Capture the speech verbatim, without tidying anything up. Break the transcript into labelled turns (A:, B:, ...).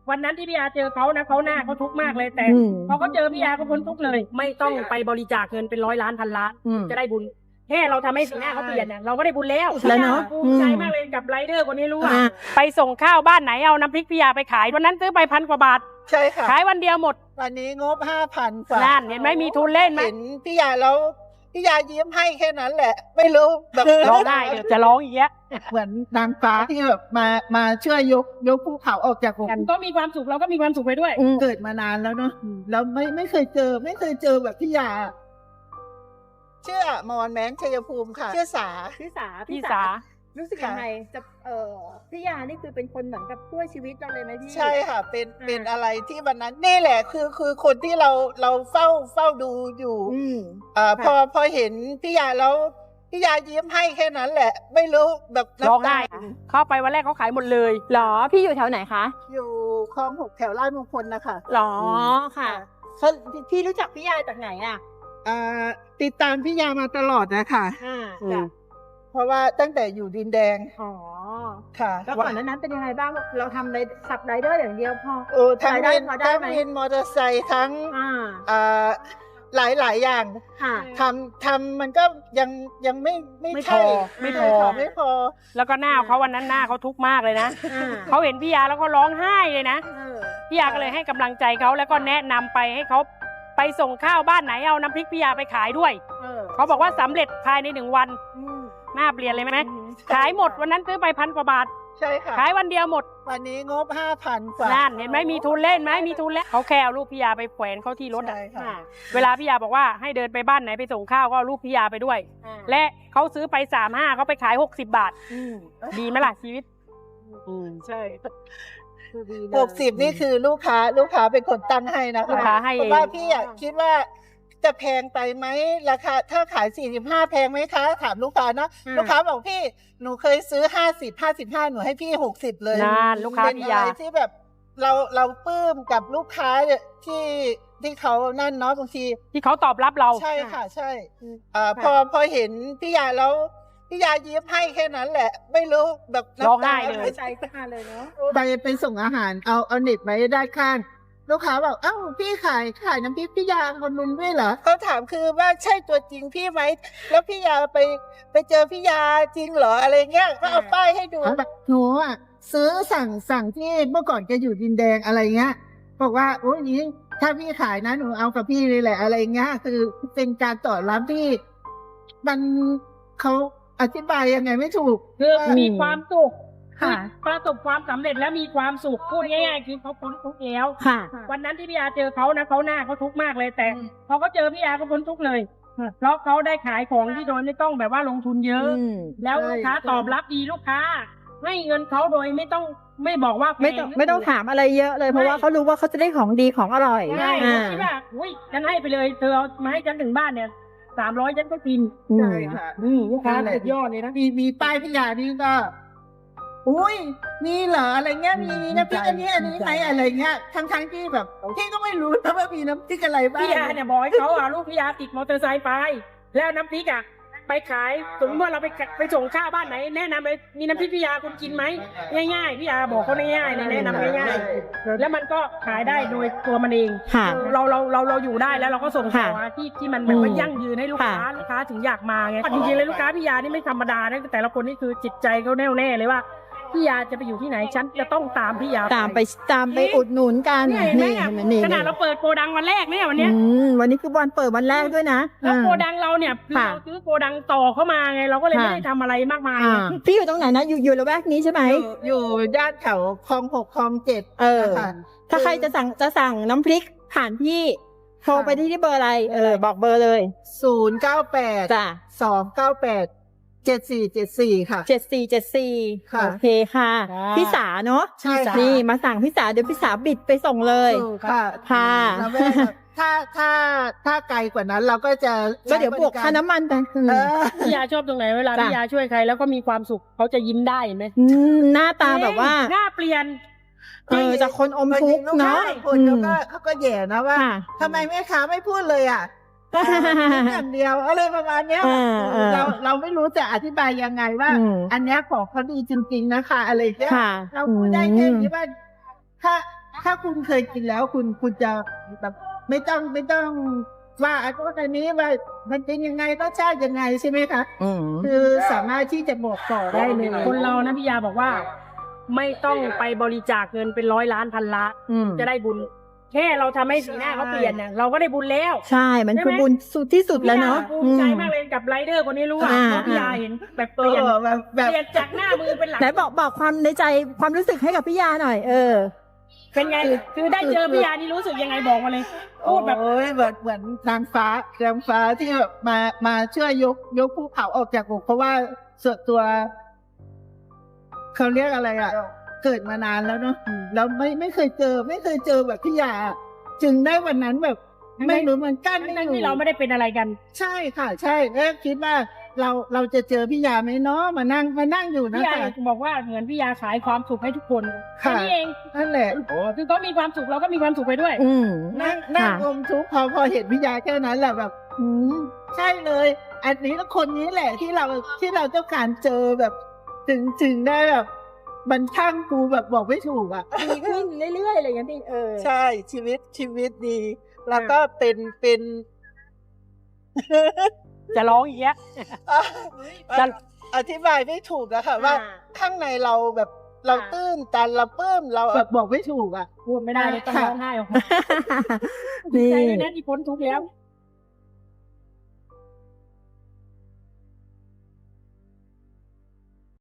A: วันนั้นที่พี่ยาเจอเขานะเขาหน้าเขาทุกข์มากเลยแต่พอเขาเจอพี่ยาเขาพ้นทุกข์เลยไม่ต้องไปบริจาคเงินเป็นร้อยล้านพันล้านจะได้บุญแค่เราทำให้สีหน้าเขาเปลี่ยนเนี่ยเราก็ได้บุญแล้วแล้วเนาะภูมิใจมากเลยกับไรเดอร์คนนี้รู้ว่าไปส่งข้าวบ้านไหนเอาน้ำพริกพี่ยาไปขายวันนั้นซื้อไปพันกว่าบาท
B: ใช่ค่ะ
A: ขายวันเดียวหมด
B: วันนี้งบห้าพันกว่า
A: นั่นเห็นไหมมีทุนเล่นไหม
B: เห็นพี่ยาแล้วพี่ยายิ้มให้แค่นั้นแหละไม่รู้แบบ
A: ร้องได้เดี๋ยวจะร้องอีกแล้ว
B: เหมือนนางฟ้าที่แบบมามาช่วยยกยกภูเขาออกจากอก
A: ก็มีความสุขเราก็มีความสุขไปด้วย
B: เกิดมานานแล้วเนาะแล้วไม่ไม่เคยเจอไม่เคยเจอแบบพี่ยาเชื่อมอนแม้นชัยภูมิค่ะเชื่อสา
C: พี่สา
A: พี่สา
C: รู้สึกยังไงจะเออพี่ยานี่คือเป็นคนเหมือนกับช่วยชีวิตเราเลยไหมพี่
B: ใช่ค่ะเป็นเป็นอะไรที่วันนั้นนี่แหละคือคือคนที่เราเราเฝ้าเฝ้าดูอยู่อ่าพอพอเห็นพี่ยาแล้วพี่ยายิ้มให้แค่นั้นแหละไม่รู้แบบ
A: ร้องไห้เข้าไปวันแรกเขาขายหมดเลย
C: หรอพี่อยู่แถวไหนคะ
B: อยู่คลองหกแถวลาดมงคลนะคะ
C: หรอค่ะพี่รู้จักพี่ยาจากไหนอ่ะ
B: อ่าติดตามพี่ยามาตลอดนะคะ
C: อ่า
B: เพราะว่าตั้งแต่อยู่ดินแดง
C: อ๋อ
B: ค่ะ
C: แล้วก่อนนั้นเป็นยังไงบ้างเราทำอะไรขับไรเดอร์อย่างเดียวพอ
B: โอ้ทั้งวินทั้งวินมอเตอร์ไซค์ทั้งอ่าหลายหลายอย่างทำทำมันก็ยังยังไม่ไม่
A: พอไม่พอ
B: ไม่พอ
A: แล้วก็หน้าเขาวันนั้นหน้าเขาทุกข์มากเลยนะเขาเห็นพี่ยาแล้วเขาร้องไห้เลยนะพี่ยาก็เลยให้กำลังใจเขาแล้วก็แนะนำไปให้เขาไปส่งข้าวบ้านไหนเอาน้ำพริกพี่ยาไปขายด้วยเขาบอกว่าสำเร็จภายในหนึ่งวันหน้าเปลี่ยนเลยไหมขายหมดวันนั้นซื้อไปพันกว่าบาท
B: ใช่ค่ะ
A: ขายวันเดียวหมด
B: วันนี้งบห้าพันกว่า
A: นั่นเห็นไหมมีทุนเล่นไหมมีทุนแล้วเขาแค่เอารูปพี่ยาไปแขวนเข้าที่รถเวลาพี่ยาบอกว่าให้เดินไปบ้านไหนไปส่งข้าวก็เอารูปพี่ยาไปด้วยและเขาซื้อไปสามห้าเขาไปขายหกสิบบาทดีไหมล่ะชีวิต
B: ใช่หกสิบนี่คือลูกค้าลูกค้าเป็นคนตั้งให้นะคะ
A: ลูกค้าให้
B: เพราะว่าพี่อ่ะคิดว่าจะแพงไปไหมราคาถ้าขายสี่สิบห้าแพงไหมคะถามลูกค้านะลูกค้าบอกพี่หนูเคยซื้อห้าสิบห้าสิบห้าหนูให้พี่หกสิบเลย
A: นั่นลูกค้าพี่ยา
B: ที่แบบเราเราปลื้มกับลูกค้าที่ที่เขานั่นเนาะบางที
A: ที่เขาตอบรับเรา
B: ใช่ค่ะใช่อ่าพอพอเห็นพี่ยาแล้วพี่ยายิ้มให้แค่นั้นแหละไม่รู้แบบ
A: ร้องไห้เลย
C: ใจขึ้นมาเลยเนาะ
B: ไปไปส่งอาหารเอาเอาเน็ตไว้ด้านข้างลูกค้าบอกเอ้าพี่ขายขายน้ำพริกพี่ยาคนนุนด้วยเหรอเขาถามคือว่าใช่ตัวจริงพี่ไหมแล้วพี่ยาไปไปเจอพี่ยาจริงเหรออะไรเงี้ยก็เอาป้ายให้ดูแบบหนูอ่ะซื้อสั่งสั่งที่เมื่อก่อนแกอยู่ดินแดงอะไรเงี้ยบอกว่าโอ้ยนี้ถ้าพี่ขายนะหนูเอากับพี่เลยแหละอะไรเงี้ยคือเป็นการต่อรับที่มันเขาอธิบายยังไงไม่ถูก
A: คือมีความสุขประสบความสำเร็จแล้วมีความสุขพูดง่ายๆคือเขาพ้นทุกข์แล้ววันนั้นที่พี่ยาเจอเขานะเขาหน้าเขาทุกข์มากเลยแต่พอเขาเจอพี่ยาเขาพ้นทุกข์เลยเพราะเขาได้ขายของที่โดยไม่ต้องแบบว่าลงทุนเยอะแล้วลูกค้าตอบรับดีลูกค้าให้เงินเขาโดยไม่ต้องไม่บอกว่า
C: ไม่ต้องไม่ต้องถามอะไรเยอะเลยเพราะว่าเขารู้ว่าเขาจะได้ของดีของอร่อย
A: ใช่คิดว่าอุ้ยฉันให้ไปเลยเธอเอามาให้ฉันถึงบ้านเนี่ยสามร้อยฉันก็กิน
B: ใช่ค่ะ
A: ลูกค้าสุดยอดเลยนะ
B: มีมีป้ายพี่ยานี่ก็อุ้ยมีเหรออะไรเงี้ยมีน้ำพริกอันนี้อันนี้ไหมอะไรเงี้ยทั้งทั้งที่แบบพี่ก็ไม่รู้นะว่ามีน้ำพริกอะไรบ้าง
A: พี่ยาเนี่ยบอกให้เขาอ่ะลูกพี่ยาติดมอเตอร์ไซค์ไปแล้วน้ำพริกอ่ะไปขายสมมติว่าเราไปไปส่งข้าวบ้านไหนแนะนำเลยมีน้ำพริกพี่ยาคุณกินไหมง่ายๆพี่ยาบอกเขาง่ายๆแนะนำง่ายๆแล้วมันก็ขายได้โดยตัวมันเองเราเราเราเราอยู่ได้แล้วเราก็ส่งต่อที่ที่มันมันยั่งยืนให้ลูกค้าลูกค้าถึงอยากมาไงจริงๆเลยลูกค้าพี่ยานี่ไม่ธรรมดานะแต่ละคนนี่คือจิตใจเขาแน่วแน่เลยว่าพี่ยาจะไปอยู่ที่ไหนฉันจะต้องตามพี่ยา
C: ตามไปตามไปอุดหนุนกัน
A: นี่ขนาดเราเปิดโกดังวันแรกเนี่ยวันนี้
C: วันนี้คือวันเปิดวันแรกด้วยนะ
A: แล้วโกดังเราเนี่ยเราซื้อโกดังต่อเข้ามาไงเราก็เลยไม่ได้ทำอะไรมากมาย
C: พี่อยู่ตรงไหนนะอยู่อยู่ละแวกนี้ใช่ไหม
B: อยู่ย่านแถวคลองหกคลองเจ็ด
C: เออถ้าใครจะสั่งจะสั่งน้ำพริกผ่านพี่โทรไปที่ที่เบอร์อะไรเออบอกเบอร์เลย
B: ศูนย์เก้าแปด
C: จ้ะ
B: สองเก้าแปดเจ็ดสี่เจ็ดสี่ค่ะ
C: เจ็ดสี่เจ็ดสี่โอเคค่ะพี่สาเนาะ
B: ใช่
C: นี่มาสั่งพี่สาเดี๋ยวพี่สาบิดไปส่งเลย
B: ค่ะ
C: ค่ะ
B: ถ้าถ้าถ้าไกลกว่านั้นเราก็จะ
C: ก็เดี๋ยวบวกค่าน้ำมันไป
A: พี่ยาชอบตรงไหนเวลาพี่ยาช่วยใครแล้วก็มีความสุขเขาจะยิ้มได้เห็นไหม
C: หน้าตาแบบว่า
A: หน้าเปลี่ยน
C: เออจากคนอมทุกข์เนาะ
B: คนเขาก็เขาก็แย่นะว่าทำไมแม่ค้าไม่พูดเลยอ่ะอย่างเดียวอะไรประมาณเนี้ยเราเราไม่รู้จะอธิบายยังไงว่าอันเนี้ยของเขาดีจริงๆนะคะอะไรเงี้ยเราพูดได้แค่นี้ว่าถ้าถ้าคุณเคยกินแล้วคุณคุณจะแบบไม่ต้องไม่ต้องว่าไอ้พวกอันนี้ว่ามันเป็นยังไงรสชาติยังไงใช่ไหมคะ
C: อืม
B: คือสามารถที่จะบอกต่อได้เลย
A: คนเรานะพี่ยาบอกว่า ไม่ต้องไปบริจาคเงินเป็นร้อยล้านพันล้าน
C: อืม
A: จะได้บุญ แค่เราทำให้สีหน้าเขาเปลี่ยนเนี่ยเราก็ได้บุญแล้ว
C: ใช่ มันคือบุญสุดที่สุดแล้วเนาะ
A: ภูมิใจมากเลยกับไรเดอร์คนนี้รู้ว่า
C: อ่า
A: เพราะพี่ยาเห็นแบบเป
B: เอ
A: ลี่ยน
B: อแบบแบบ
A: เปลี่ยนจากหน้ามือเป็นหลัง
C: ไหนบอกบอกความในใจความรู้สึกให้กับพี่ยาหน่อย เออ
A: เป็นไง คือได้เจอพี่ยานี่รู้สึกยังไงบอกมาเลย พูดแบบ
B: โอ้ยเหมือนเหมือนนางฟ้านางฟ้าที่แบบมามาช่วยยกยกภูเขาออกจากอกเพราะว่าส่วนตัวเขาเรียกอะไรอ่ะ เกิดมานานแล้วเนาะแล้วไม่ไม่เคยเจอ ไม่เคยเจอแบบพี่ยาจึงได้วันนั้นแบบ ไม่รู้เหมือนกันไม่
A: ทั้ง
B: รู้
A: ที่เราไม่ได้เป็นอะไรกัน
B: ใช่ค่ะ ใช่แล้วคิดว่าเราเราจะเจอพี่ยาไหมเนาะมานั่งมานั่งอยู่นะ
A: พี่ยา
B: คะ
A: บอกว่าเหมือนพี่ยาขายความสุขให้ทุกคนแค่
B: ค่ะ
A: นี้เอง
B: นั่นแหละ
A: คือเขามีความสุขเราก็มีความสุขไปด้วย
C: อืม
B: นั่งนั่ง
C: ค่ะ
B: อมทุกข์พอพอเห็นพี่ยาแค่นั้นแหละแบบอืมใช่เลย อันนี้แล้วคนนี้แหละที่เราที่เราต้องการเจอแบบ ถึงถึงได้แบบมันช่างกูแบบบอกไม่ถูกอ่ะ
C: ดีขึ้นเรื่อยๆอะไรอย่างเงี้ยพี่เออ
B: ใช่ชีวิตชีวิตดี แล้วก็เป็นเป็น
A: จะร้องอีกแล้ว จะ
B: อธิบายไม่ถูกอะค่ะว่า
C: อ่า
B: ข้างในเราแบบเรา
C: ค่ะ
B: ตื้นตันเราปลื้มเราแบบบอกไม่ถูกอะ
A: พูดไม่ได้เลยต้อง
B: ค่ะ
A: ร้องไห้ออกมา
C: นี่
A: ใจด้วยนะที่พ้นทุกข์แล้ว